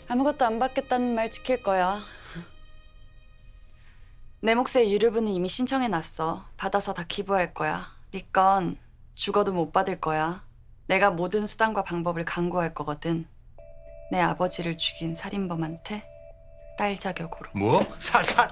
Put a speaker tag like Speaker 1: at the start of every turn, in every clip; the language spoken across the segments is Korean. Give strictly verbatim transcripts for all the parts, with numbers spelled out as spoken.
Speaker 1: 아무것도 안 받겠다는 말 지킬 거야. 내 몫의 유류분은 이미 신청해놨어. 받아서 다 기부할 거야. 네 건 죽어도 못 받을 거야. 내가 모든 수단과 방법을 강구할 거거든. 내 아버지를 죽인 살인범한테 딸 자격으로.
Speaker 2: 뭐? 사, 사...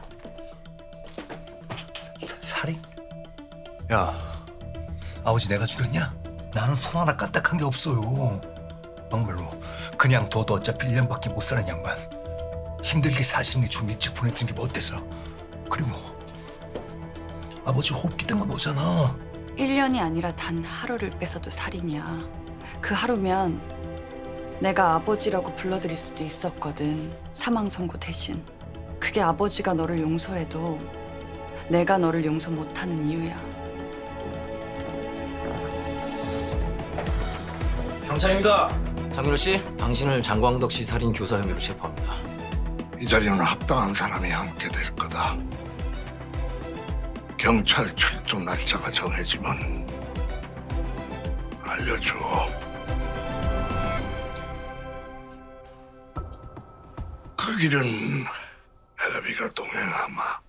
Speaker 2: 사, 살인? 야, 아버지 내가 죽였냐? 나는 손 하나 까딱한 게 없어요. 막말로 그냥 둬도 어차피 일 년밖에 못 사는 양반. 힘들게 사시는 게 좀 일찍 보냈던 게 뭐 어때서? 그리고 아버지 호흡 기댄 거 너잖아.
Speaker 1: 일 년이 아니라 단 하루를 뺏어도 살인이야. 그 하루면 내가 아버지라고 불러드릴 수도 있었거든. 사망 선고 대신. 그게 아버지가 너를 용서해도 내가 너를 용서 못하는 이유야.
Speaker 3: 경찰입니다. 장민호 씨, 당신을 장광덕 씨 살인 교사 혐의로 체포합니다.
Speaker 4: 이 자리는 합당한 사람이 함께 될 거다. 경찰 출동 날짜가 정해지면 알려줘. 그 길은 헬비가 동행하마.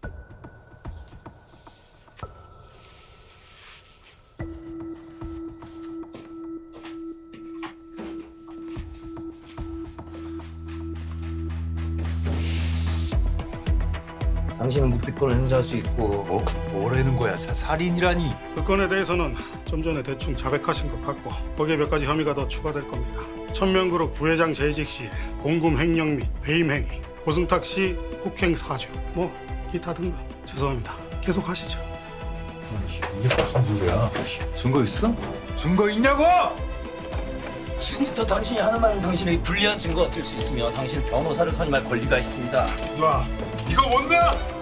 Speaker 3: 당신은 묵비권을 행사할 수 있고
Speaker 2: 뭐? 뭐라는 거야? 사, 살인이라니.
Speaker 5: 그 건에 대해서는 좀 전에 대충 자백하신 것 같고 거기에 몇 가지 혐의가 더 추가될 겁니다. 천명그룹 부회장 재직 시 공금 횡령 및 배임 행위, 고승탁 씨 폭행 사주, 뭐 기타 등등. 죄송합니다. 계속하시죠.
Speaker 2: 이게 무슨 소리야? 증거 있어? 증거 있냐고!
Speaker 3: 지금부터 당신이 하는 말은 당신에게 불리한 증거가 될 수 있으며 당신 변호사를 선임할 권리가 있습니다.
Speaker 2: 야, 이거 뭔가?